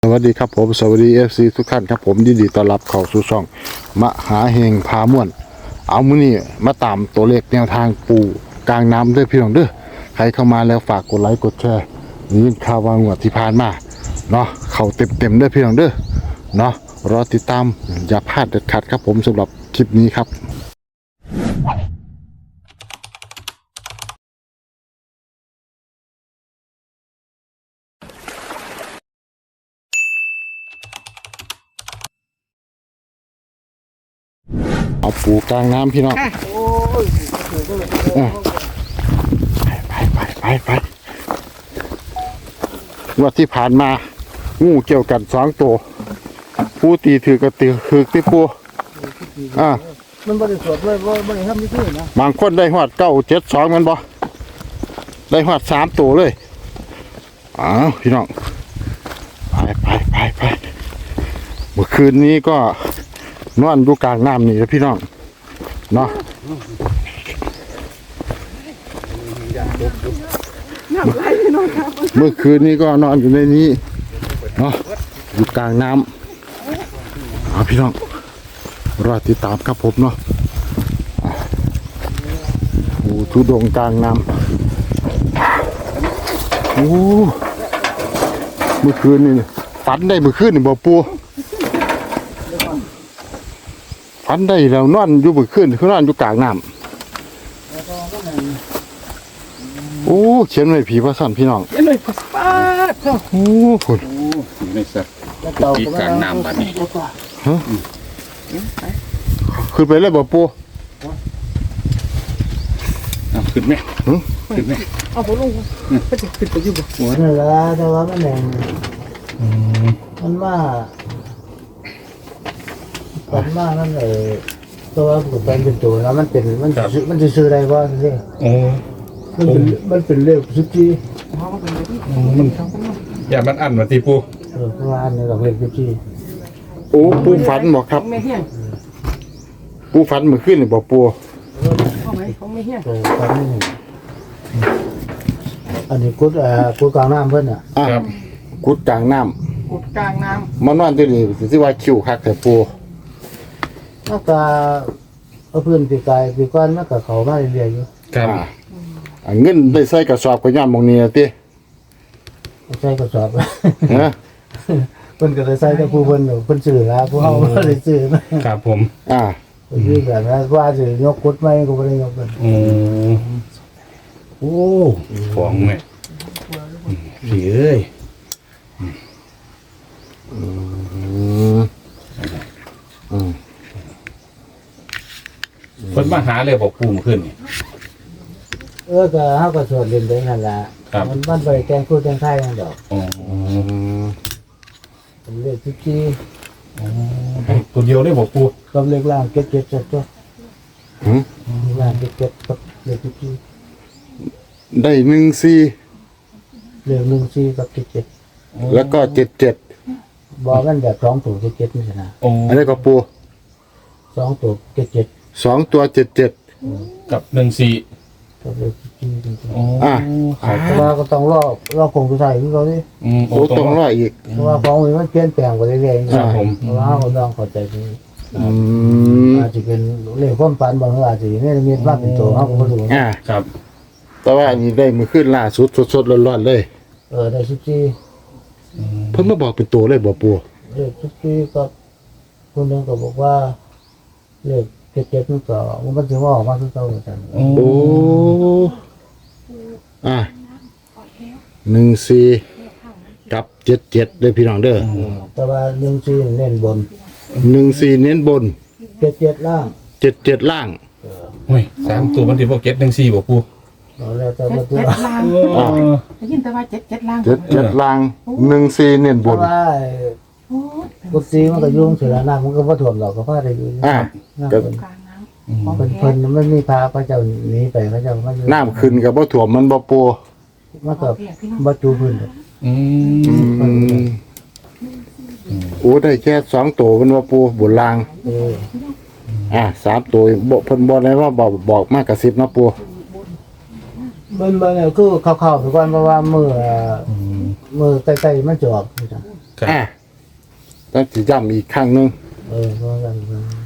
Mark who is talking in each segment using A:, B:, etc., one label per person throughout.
A: สวัสดีครับผมสวัสดีFC ทุกท่านครับผมยินดีต้อนรับเข้าสู่ช่องมหาเฮงพาม่วนเอามื้อนี้มาตามตัวเลขแนวทางปูกลางน้ำด้วยพี่น้องเด้อใครเข้ามาแล้วฝากกดไลค์กดแชร์นี่ข่าววางงวดที่ผ่านมาเนาะเข้าเต็มๆเด้อพี่น้องเด้อเนาะรอติดตามอย่าพลาดเด็ดขาดครับผมสำหรับคลิปนี้ครับเอาปูกลางน้ำพี่น้องไปงวดที่ผ่านมางูเกี่ยวกัน2ตัวผู้ตีถือกระตือคือที่ปู
B: มันบริสุทธิ์เลยบริทำนี่คือนะ
A: บางคนได้หอด972มันบ่ได้หอด3ตัวเลยพี่น้องไปเมื่อคืนนี้ก็นอนอยู่กลางน้ำนี่นะพี่น้องเนาะเมื่อคืนนี้ก็นอนอยู่ในนี้เนาะอยู่กลางน้ำพี่น้องรอติดตามครับผมเนาะทุดงกลางน้ำเมื่อคืนนี่ฝันได้เมื่อคืนนี่บ่ปูฝันได้แล้วนอนอยู่เมื่อคืนคือนอนอยู่กลางน้ำเขียนไว้ผีพระสันพี่น้อง
B: เขียนไว้ป้าดเท่า
A: คุณ
C: ไม่สักปีกลางน้ำแบบนี้
A: ขึ้นไปเลยบ่ปู
C: ขึ้นไหมขึ้นไหม
B: เอาผมลงก็จะขึ้นไปอยู่บ่
D: หัวนั่นละแต่ว่ามันแรงมันมานั่นเลยตัวกุดเป็นตัวแล้วมันจะซื้ออะไรบ้างสิมันเป็นเลขสุจี
C: มันอย่ามันอันมาตีปู
D: ประมาณนี้หลักเลขสุจี
A: ปูฝันบอกครับปูฝันเมื่อคืนนี่บอกปู
B: เขาไม่เฮี้ย
D: ฝันนี่อันนี้กุดกลางน้ำเพิ่น
A: ครับกุดกลางน้
B: ำ
A: มานอนที่นี่ที่ว่าคิวคักแต่ปู
D: นอกจากเพื่อนปีกายปีก้อนมันกับเขามาเรียๆอยู่
A: ครับเงินได้ใส่กระสอบก็ย่ำมองนี้ติ
D: ใส่กระสอบเพิ่นก็ได้ใส่แต่ผู้เพิ่นซื้อแล้วผู้เฮาบ่ได้ซื้อ
C: ครับผม
D: คือแบบนั้นว่าสิยกกุดไม่ก็บ่ได้ยกกัน
C: ของแม่ผีเอ้ยคนมาหาเลยบอกปูมาขึ้นนี่
D: ก็เฮาก็สวดเล่นไปนั่นล่ะมันไปแกงพูดแกงไทยนั่นดอกเป็นเลขที่
C: ตัวเดียวเลยบอกปู
D: กับเลขล่างเก็ดๆตัวล่างเก็ดๆกับเลขที่
A: ได้14
D: เลข14กับ
A: แล้วก็77
D: บอกกันแบบ2ตัว7นี่นะ
A: อันนี้ก็ปู
D: 2ตัว77
A: 2ตัว77
C: กับ14
D: กับเลขที่แต่ว่าก็ต้องรอคงสุดท้ายคือเขาดิ
A: ต้องรออีก
D: เพราะว่าของมันเปลี่ยนแปลงไปเรื่อยๆ
C: ครับผม
D: เพราะว่าเขาต้องเข้าใจดีอาจจะเป็นเลขความฝันบางอาจจะไม่ได้มีมากเป็นตัวเขาก็ไม่รู้
A: ครับแต่ว่าอันนี้ได้มือขึ้นล่าสุดสดๆร้อนๆเลย
D: ได้
A: เพิ่งมาบอกเป็นตัวเลยบอกปู
D: เลข14กับคนนึงก็บอกว่าเลข77มันก็มันจะว่าออกมาคือเก่าเหมือนกัน
A: 14กับ77เลยพี่น้องเด้อ
D: แต่ว่า14เน้นบน
A: 14เน้นบน
D: 77ล่าง
A: 77ล่าง
C: โอ้ย3ตัวมันที่บ่เก็ต14บ่ปู
D: แล้วแต่ว่าตัว
B: ได้ยินแต่ว่า7ล่าง
A: 77ล่าง14เน้นบน
D: กุฏิมันก็ยุ่งเสียน้ำมันก็บ่ท่วมหรอกก็พาได้อยู่
A: ก็
D: เพิ่นมันมีพาพระเจ้าหนีไปพระเจ้ามาอยู่
A: น้ำขึ้นก็บ่ท่วมมันบ่ปู
D: มันก็บ่จูพื้น
A: ได้แค่2ตัวมันว่าปูบนล่าง3ตัวบ่เพิ่นบ่ได้ว่าบอกมากกระซิบเนาะปู
D: มันคือเข้าๆไปก่อนเพราะว่ามือใกล้ๆมันจะออก
A: ต้องสิย้ำอีกครั้งหนึง
D: เพราะกัน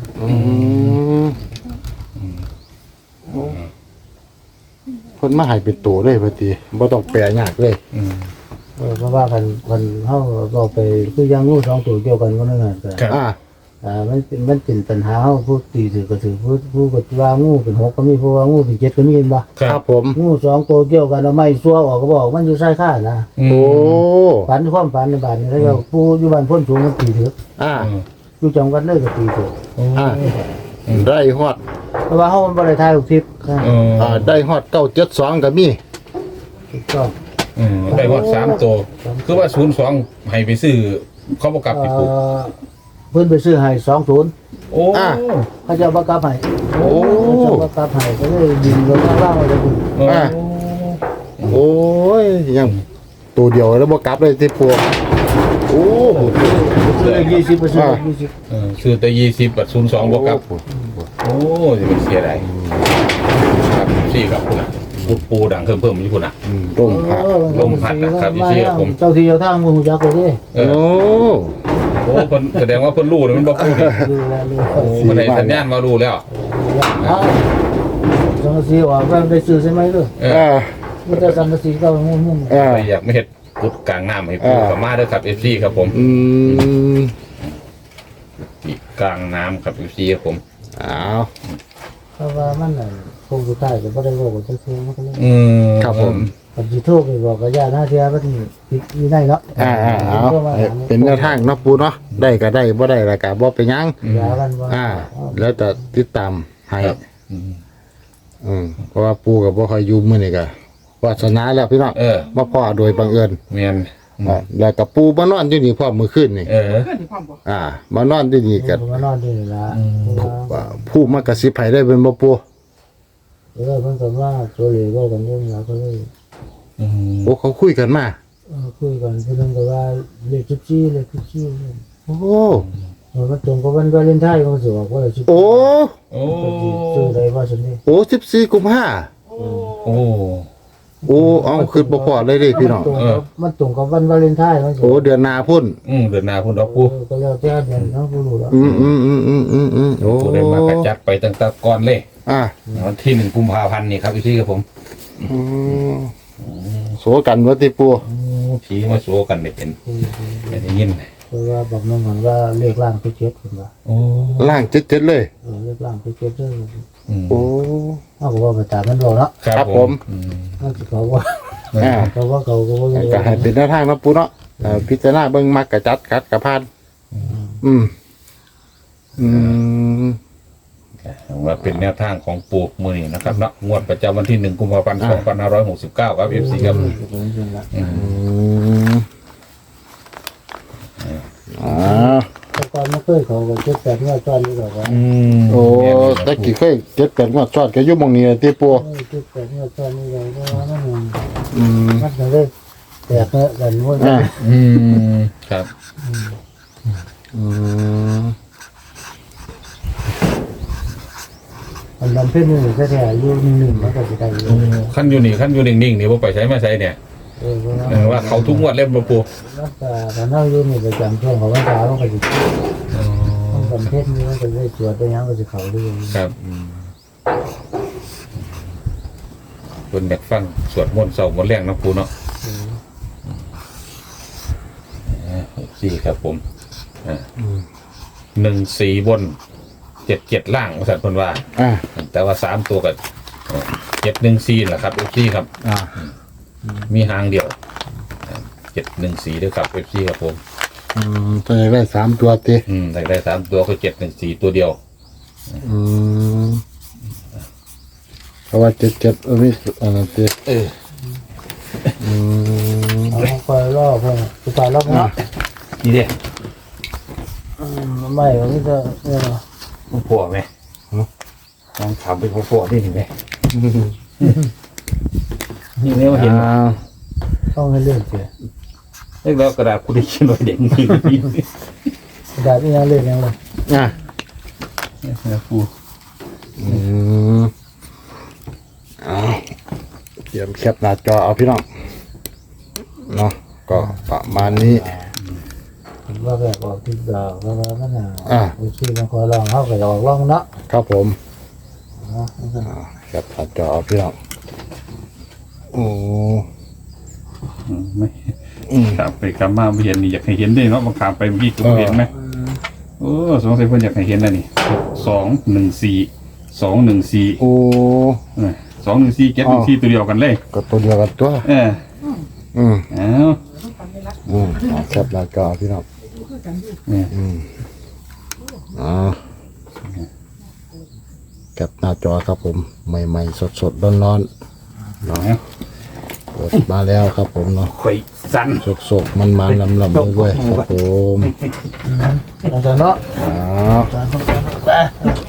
A: เพิ่นมาให้เป็นตัวเลยพอดีบ่ต้องแปลยากเลย
D: เพราะว่าคันเฮาเอาไปคือยังงู2ตัวเกี่ยวกันก็นั่นน่ะ
C: ครับ
D: มันเป็นปัญหาเฮาผู้ตีถือก็ถือผู้ก็ว่างูเป็น6ก็มีผู้ว่างูเป็น7ก็มีเห็นบ่
A: ครับผม
D: งู2ตัวเกี่ยวกันเอาไม้ซัวออกก็บอกมันอยู่ใต้ข้านะ
A: โอ้
D: ฝันความฝันในบ้านนี่แล้วก็ผู้อยู่บ้านพ้นสูงมันตีถือ อยู่จังหวัดเลยก็ตีถือ
A: ได้ฮอด
D: เพราะว่าเฮามันบ่ได้ทายลูกทิพย์นะ
A: ได้ฮอด972ก็มี
D: ถูกต้อง
C: ได้ฮอด3ตัวคือว่า02ให้ไปซื้อเขาบ่กลับติปู
D: เพิ่นไปซื้อให้20
C: โอ้
D: เขาจะบ่กลับให้
A: โอ้
D: เขาจะบ่กลับให้ก็เลยยิงลงข้างล่างไว้เลยคุณ
A: โอ้ยยังตัวเดียวแล้วบ่กลับเลยที่ปัวโอ้
D: ซื้อ20ไปซื้อ20
C: ซื้อแต่20บัด02บ่กลับโอ้สิมันเสียดายครับซี่ครับคุณน่ะปูดังเพิ่มอยู่คุณน่ะ
A: ต้มผัก
C: ลมพัดนะครับอีซี่ครับผม
D: เจ้าที่เจ้าทางบ่ฮู้จักเลยเด้
A: โอ้
C: โอ้เพิ่นแสดงว่าเพิ่นรู้เลยมันบ่พูด
D: ดูแลดู
C: โอ้มันได้สัญญาณมารู้แล้ว
D: สังกะสีออกก็ได้ซื้อใช่ไหมลูก มันจะสังกะสีก็งง
C: ใครอยากไม่เฮ็ดพุดกลางน้ำให้ปูกับมาเด้อครับ FC ครับผม ที่กลางน้ำครับ FC ครับผม
A: อ้าว
D: เพราะว่ามันน่ะคงสุดท้ายก็บ่ได้บอกว่าจะซื้อมันก็เลย
A: ครับผม
D: กับสิโทรไปบอกกับญาติหน้าเทียมันผิดมีได้เนาะ
A: เอาเป็นแนวทางเนาะปูเนาะได้ก็ได้บ่ได้ก็บ่เป็นหยัง
D: ยากันบ่
A: แล้วแต่ติดตามให้เพราะว่าปูกับบ่ค่อยอยู่มื้อนี้ก็วาสนาแล้วพี่น้องมาพ่อโดยบังเอิญ
C: แม่น
A: แล้วกับปูมานอนอยู่นี่พร้อมมื้อคืนนี่มานอนอยู่นี่ก็
D: มานอนนี่ล่ะ
A: ผู้มากระซิบให้ได้เป็นบ่ปู
D: มันก็ว่าตัวเหลวกันอยู่แล้วก็เลย
A: โอ้เขาคุยกันมา
D: คุยกันเพิ่นก็ว่าเลข14เลข14
A: โอ้
D: มันตรงกับวันวาเลนไทน์มันสิว่าว่า14
A: โอ้
C: โอ้
D: ซื้อได้ว่าซั่นนี่
A: โอ้14กุมภา
C: โอ้
A: โอ้เอาคือบ่พอเลยเด้พี่น้อง
D: มันตรงกับวันวาเลนไทน์มันสิ
A: โอ้เดือนหน้าพุ่น
C: เดือนหน้าพุ่นดอกปู
D: ก็แล้วแต่เดือนเนาะบ่รู้แล้ว
A: โอ้
C: ปูได้มากระจัดไปตั้งแต่ก่อนเลย วันที่1กุมภาพันธ์นี่ครับ FC ครับผม
A: โสกันว่าที่ปู
C: ผีมาโซกันได้เป็นได้ยิน
D: เพราะว่าบอกน้องมันว่าเลขล่างไปเจ็ดเพิ่นว่า
C: โอ้
A: ล่างเจ็ดเลย
D: เลขล่างไปเจ็ดเด้อ
A: โอ้
D: เฮาก็ว่าไปตามมันบ่เนาะ
A: ครับผม
D: มันสิเขาว่า เขาว่าเขาก็บ่
A: ก็ให้เป็นแนวทางเนาะปูเนาะพิจารณาเบิ่งมักกะจัดคัดกะพาน
C: ว่าเป็นแนวทางของปูมือนี้นะครับเนาะงวดประจำวันที่1กุมภาพันธ์2569ครับ FC ครับ
D: แต่ก่อนมันเคยเขาก็เจ็ดแปดงวดซ้อนนี่ก็ว่า
A: โอ้ตะกี้เคย7-8งวดซ้อนก็อยู่หม่องนี้ที่ปู
D: เจ็ดแปดงวดซ้อนนี่ก็ว่ามันก็เลยแตกกันว่า
C: ครับ
D: มันนำเพิ่นนี่แท้ๆอยู่นิ่งๆมันก็สิได้อยู่
C: ขั้นอยู่นิ่งๆนี่บ่ไปใช้มาใช้เนี่ยว่าเขาทุกงวดเล่มบ่ปู
D: แล้วก็ถ้าเฮาอยู่นี่ประจำช่วงของวันเสาร์มันก็สิมันเพิ่นนี่มันก็เลยสวดไปหยังก็สิเข้าเรื่อย
C: ครับเพิ่นอยากฟังสวดมนต์เช้ามนต์แลงเนาะปูเนาะสี่ครับผม14บน77ล่างว่าซั่นเพิ่นว่าแต่ว่า3ตัวก็714แหละครับ FC ครับมีหางเดียว714ด้วยครับ FC ครับผม
A: ตัวได้3ตัวติ
C: ได้3ตัวก็714ตัวเดียว
A: เพราะว่า77มีติ
D: เอาคอยรอเพิ่นสิไปรอบเนาะ
C: นี่เด้
D: ไม่ก็มีแต่เนี่ย
C: ของพ่อไหมต้องถามเป็นของพ่อได้ไหมนี่เนี่ยเห็น
D: ต้องให้เลื่อนเสีย
C: เล็กแล้วกระดาษคุณได้เขียนไว้เด็กนี่
D: กระดาษนี่ยังเลื่อนยังเลย
C: นะปู
A: เตรียมแคปหน้าจอเอาพี่น้องเนาะก็ประมาณนี้
D: ว่าแบบออกที่ดอกแล้วมันบางทีมันขอลองเขาก็ออกลองเนาะ
A: ครับผมครับตัดจอพี่น้องโอ้
C: ไม่ครับไปกลับมาไม่เห็นนี่อยากให้เห็นได้เนาะบางครั้งไปเมื่อกี้ก็เห็นไหมโอ้สงสัยเพิ่นอยากให้เห็นแล้วนี่214
A: โอ้
C: 214 714ตัวเดียวกันเลย
A: ก็ตัวเดียวกันตัว
C: เออ
A: อืม
C: เอา
A: ครับตัดจอพี่น้อง
C: เนี่ย
A: อ๋อแคปหน้าจอครับผมใหม่ๆสดๆร้อนๆ
C: เนาะ
A: เปิดมาแล้วครับผมเนาะ
C: ข่อยสั่น
A: สดๆมันๆลำๆด้วยครับผม
D: อาจารย์เนาะ
A: อ๋อ
D: อาจารย์